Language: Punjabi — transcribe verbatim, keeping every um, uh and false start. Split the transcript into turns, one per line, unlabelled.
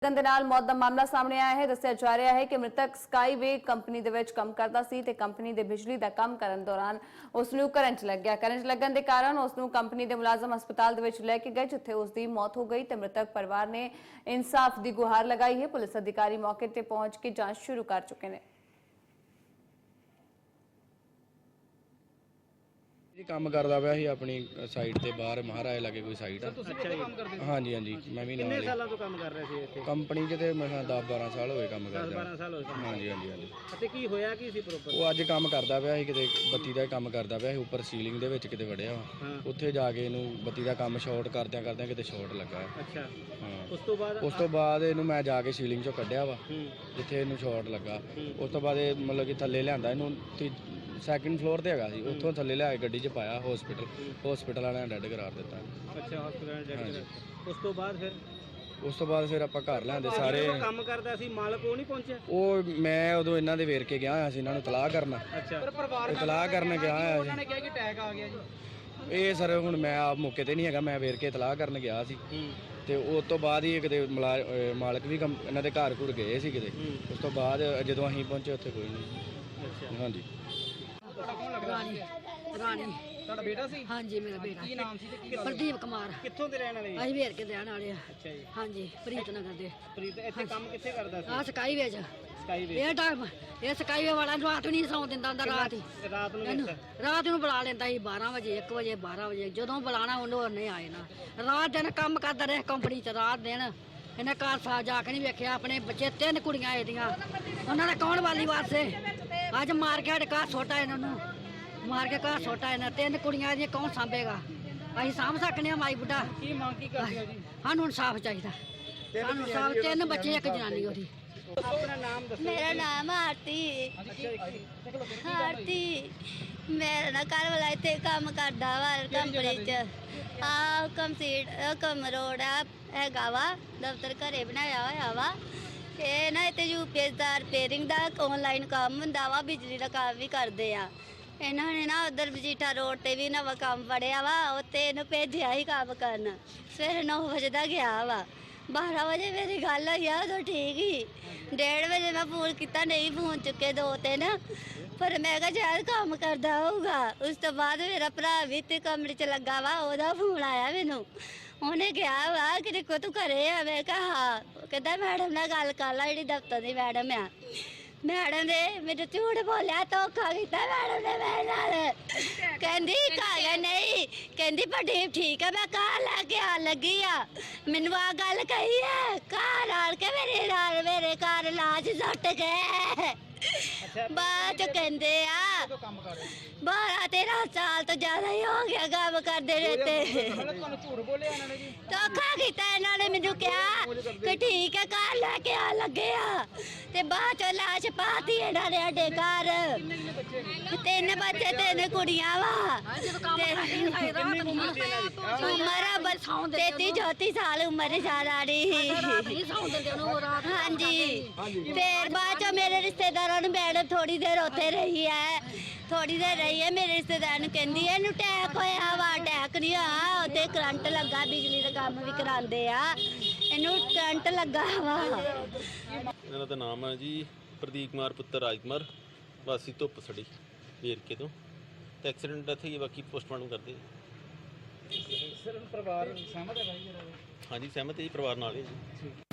ਦੇ ਨਾਲ ਮੌਤ ਦਾ ਮਾਮਲਾ ਸਾਹਮਣੇ ਆਇਆ ਹੈ। ਦੱਸਿਆ ਜਾ ਰਿਹਾ ਹੈ ਕਿ ਮ੍ਰਿਤਕ ਸਕਾਈਵੇ ਕੰਪਨੀ ਦੇ ਵਿੱਚ ਕੰਮ ਕਰਦਾ ਸੀ ਤੇ ਕੰਪਨੀ ਦੇ ਬਿਜਲੀ ਦਾ ਕੰਮ ਕਰਨ ਦੌਰਾਨ ਉਸ ਨੂੰ ਕਰੰਟ ਲੱਗ ਗਿਆ। ਕਰੰਟ ਲੱਗਣ ਦੇ ਕਾਰਨ ਉਸ ਨੂੰ ਕੰਪਨੀ ਦੇ ਮੁਲਾਜ਼ਮ ਹਸਪਤਾਲ ਦੇ ਵਿੱਚ ਲੈ ਕੇ ਗਏ, ਜਿੱਥੇ ਉਸ ਦੀ ਮੌਤ ਹੋ ਗਈ ਤੇ ਮ੍ਰਿਤਕ ਪਰਿਵਾਰ ਨੇ ਇਨਸਾਫ ਦੀ ਗੁਹਾਰ ਲਗਾਈ ਹੈ। ਪੁਲਿਸ ਅਧਿਕਾਰੀ ਮੌਕੇ ਤੇ ਪਹੁੰਚ ਕੇ ਜਾਂਚ ਸ਼ੁਰੂ ਕਰ ਚੁੱਕੇ ਨੇ।
जी काम करदा पिया सी अपनी साइड ते बाहर महाराज लगे कोई साइड
अच्छा जी
हाँ जी हाँ जी मैं भी
कितने सालों तो काम कर रहे थे ਇੱਥੇ
कंपनी च ते मैं दस बारह साल होए काम करदा
ਬਾਰਾਂ ਸਾਲ ਹੋਏ ਕੰਮ
हाँ जी हाँ जी हाँ जी
ਅਤੇ ਕੀ ਹੋਇਆ ਕੀ ਸੀ ਪ੍ਰੋਪਰ
ਉਹ ਅੱਜ ਕੰਮ ਕਰਦਾ ਪਿਆ ਸੀ ਕਿਤੇ ਬੱਤੀ ਦਾ ਕੰਮ ਕਰਦਾ ਪਿਆ ਸੀ ਉੱਪਰ ਸੀਲਿੰਗ ਦੇ ਵਿੱਚ ਕਿਤੇ ਵੜਿਆ ਵਾ ਉੱਥੇ ਜਾ ਕੇ ਇਹਨੂੰ ਬੱਤੀ ਦਾ ਕੰਮ ਸ਼ਾਰਟ ਕਰਦਿਆਂ ਕਰਦਿਆਂ ਕਿਤੇ ਸ਼ਾਰਟ ਲੱਗਾ
ਅੱਛਾ
ਹਾਂ
ਉਸ ਤੋਂ ਬਾਅਦ
ਉਸ ਤੋਂ ਬਾਅਦ ਇਹਨੂੰ ਮੈਂ ਜਾ ਕੇ ਸੀਲਿੰਗ ਚੋਂ ਕੱਢਿਆ ਵਾ ਜਿੱਥੇ ਇਹਨੂੰ ਸ਼ਾਰਟ ਲੱਗਾ। ਉਸ ਤੋਂ ਬਾਅਦ ਇਹ ਮਤਲਬ ਕਿ ਥੱਲੇ ਲਿਆਂਦਾ ਇਹਨੂੰ ਸੈਕਿੰਡ ਫਲੋਰ ਤੇ ਹੈਗਾ ਸੀ, ਉੱਥੋਂ ਥੱਲੇ ਲਿਆ ਕੇ ਗੱਡੀ 'ਚ ਪਾਇਆ ਹਸਪੀਟਲ ਹਸਪੀਟਲ ਵਾਲਿਆਂ ਨੇ ਡੈਡ ਕਰਾਰ ਦਿੱਤਾ।
ਅੱਛਾ ਹਸਪੀਟਲ ਡੈਡ ਕਰਾਰ। ਉਸ ਤੋਂ ਬਾਅਦ ਫਿਰ
ਉਸ ਤੋਂ ਬਾਅਦ ਫਿਰ ਆਪਾਂ ਘਰ ਲਿਆਂਦੇ ਸਾਰੇ।
ਕੰਮ ਕਰਦਾ ਸੀ ਮਾਲਕ ਉਹ ਨਹੀਂ ਪਹੁੰਚਿਆ?
ਉਹ ਮੈਂ ਉਦੋਂ ਇਹਨਾਂ ਦੇ ਵੇਰ ਕੇ ਗਿਆ ਹੋਇਆ ਸੀ, ਇਹਨਾਂ ਨੂੰ ਤਲਾਹ ਕਰਨ।
ਅੱਛਾ
ਤਲਾਹ ਕਰਨ ਗਿਆ ਹੋਇਆ ਸੀ।
ਉਹਨਾਂ ਨੇ ਕਿਹਾ ਕਿ ਅਟੈਕ ਆ ਗਿਆ ਜੀ।
ਇਹ ਸਰ ਹੁਣ ਮੈਂ ਆਪ ਮੌਕੇ ਤੇ ਨਹੀਂ ਹੈਗਾ, ਮੈਂ ਵੇਰ ਕੇ ਤਲਾਹ ਕਰਨ ਗਿਆ ਸੀ ਤੇ ਉਸ ਤੋਂ ਬਾਅਦ ਹੀ ਕਿਤੇ ਮਾਲਕ ਵੀ ਇਹਨਾਂ ਦੇ ਘਰ ਘੁਰ ਗਏ ਸੀ ਕਿਤੇ। ਉਸ ਤੋਂ ਬਾਅਦ ਜਦੋਂ ਅਸੀਂ ਪਹੁੰਚੇ ਉੱਥੇ ਕੋਈ ਨਹੀਂ। ਹਾਂਜੀ
ਰਾਣੀ ਰਾਣੀ
ਤੁਹਾਡਾ ਬੇਟਾ ਸੀ?
ਹਾਂਜੀ ਮੇਰਾ ਬੇਟਾ।
ਕੀ ਨਾਮ ਸੀ ਤੇ ਕੀ
ਪ੍ਰਦੀਪ ਕੁਮਾਰ।
ਕਿੱਥੋਂ ਦੇ ਰਹਿਣ ਵਾਲੇ?
ਅਸੀਂ ਵੇਰ ਕੇ ਦੇਣ ਵਾਲੇ ਆ।
ਅੱਛਾ ਜੀ
ਹਾਂਜੀ ਪ੍ਰੀਤ ਨਗਰ ਦੇ।
ਪ੍ਰੀਤ ਇੱਥੇ ਕੰਮ ਕਿੱਥੇ ਕਰਦਾ ਸੀ?
ਆ ਸਕਾਈ ਵੇਜ
ਸਕਾਈਵੇ।
ਇਹ ਟਾਈਮ ਇਹ ਸਕਾਈ ਵਾਲਾ ਰਾਤ ਨੂੰ ਨਹੀਂ ਸੌਂ ਦਿੰਦਾ ਹੁੰਦਾ, ਰਾਤ ਹੀ
ਰਾਤ ਨੂੰ
ਇਹਨੂੰ ਰਾਤ ਨੂੰ ਬੁਲਾ ਲੈਂਦਾ ਸੀ ਬਾਰਾਂ ਵਜੇ ਇੱਕ ਵਜੇ ਬਾਰਾਂ ਵਜੇ ਜਦੋਂ ਬੁਲਾਣਾ ਉਹਨੂੰ ਉਹਨੇ ਆਏ ਨਾ। ਰਾਤ ਦਿਨ ਕੰਮ ਕਰਦਾ ਰਿਹਾ ਕੰਪਨੀ 'ਚ। ਰਾਤ ਦਿਨ ਇਹਨੇ ਘਰ ਸਾ ਜਾ ਕੇ ਨਹੀਂ ਵੇਖਿਆ ਆਪਣੇ ਬੱਚੇ। ਤਿੰਨ ਕੁੜੀਆਂ ਇਹਦੀਆਂ, ਉਹਨਾਂ ਦਾ ਕੌਣ ਵਾਲੀ ਵਾਰਸੇ। ਅੱਜ ਮਾਰ ਕੇ ਸਾਡੇ ਘਰ ਸੁੱਟਾ ਇਹਨਾਂ ਨੂੰ, ਮਾਰ ਕੇ ਘਰ ਸੁੱਟਾ ਇਹਨਾਂ। ਤਿੰਨ ਕੁੜੀਆਂ ਇਹਦੀਆਂ ਕੌਣ ਸਾਂਭੇਗਾ? ਅਸੀਂ ਸਾਂਭ ਸਕਨੇ ਆ ਮਾਈ ਬੁੱਢਾ?
ਕੀ ਮੰਗ ਕੀ ਕਰਦੇ ਹੋ ਜੀ?
ਸਾਨੂੰ ਇਨਸਾਫ ਚਾਹੀਦਾ। ਸਾਨੂੰ ਇਨਸਾਫ। ਤਿੰਨ ਬੱਚੇ ਇੱਕ ਜਨਾਨੀ ਉਹਦੀ।
ਆਪਣਾ ਨਾਮ ਦੱਸੋ।
मेरा नाम आरती आरती मेरा ना घर वाला इतने काम करता वा कंपनी च आ कंसीड कम रोड हैगा वा दफ्तर घरे बनाया होया वा। ये ना इतने यूपीएस दा रिपेयरिंग दा ऑनलाइन काम हुंदा वा, बिजली दा काम भी करदे आ। इन्होंने ना उधर मजीठा रोड ते भी नवा काम फड़िया वा, उत्ते इन्हूं भेजिया ही काम करन। सवेरे नौ बजे दा गया वा, बारह बजे मेरी गल हुई आ उदों ठीक ही। डेढ़ बजे मैं फोन किया, नहीं फोन चुके दो तीन, पर मैं कहा शायद काम करता होगा। उस तो बाद मेरा भरा भी ते कमरे च लगा वा, ओहदा फोन आया मैनू। उन्हें कहा वा कि देखो तू घरे आ? मैं कहा हाँ। कहता मैडम नाल गल कर ला, जिहड़ी दफ्तर दी मैडम आ। मैडम ने मेरे झूठ बोलिया, धोखा किया मैडम ने मेरे नाल। कहंदी कागज नहीं, कहंदी प्रदीप ठीक है मैं घर लैके आ लगी आ। मैनू आ गल कही है, घर आन के मेरे नाल मेरे घर लाश सुट गए। बाद च कहंदे आ बारह तेरह साल तो ज्यादा ही हो गया काम करते रहते। धोखा किया इन्होंने, मैनू कहा कि ठीक है घर लैके आ लगे आ, ते बाद च लाश पाती इन्होंने साडे घर। तीन बच्चे तीन कुड़ियां वा। उम्र तेती चौती साल उम्र सारी। हाँ जी फिर बाद च मेरे रिश्तेदार मैडम थोड़ी देर उत्थे रही है, थोड़ी देर रही है। मेरे रिश्तेदार कहती है इन्हू अटैक होया वा। अटैक नहीं होया, उत्ते करंट लगा, बिजली का काम भी करांदे आ, इन्हू करंट लगा वा।
ਇਹਨਾਂ ਦਾ ਨਾਮ ਹੈ ਜੀ ਪ੍ਰਦੀਪ ਕੁਮਾਰ ਪੁੱਤਰ ਰਾਜ ਕੁਮਾਰ, ਵਾਸੀ ਧੁੱਪ ਸੜੀ ਵੇਰਕੇ ਤੋਂ। ਤੇ ਐਕਸੀਡੈਂਟ ਇੱਥੇ ਹੀ, ਬਾਕੀ ਪੋਸਟਮਾਰਟਮ ਕਰਦੇ।
ਸਰ ਪਰਿਵਾਰ ਸਹਿਮਤ ਹੈ ਭਾਈ?
ਹਾਂਜੀ ਸਹਿਮਤ ਹੈ ਜੀ, ਪਰਿਵਾਰ ਨਾਲ ਹੈ ਜੀ।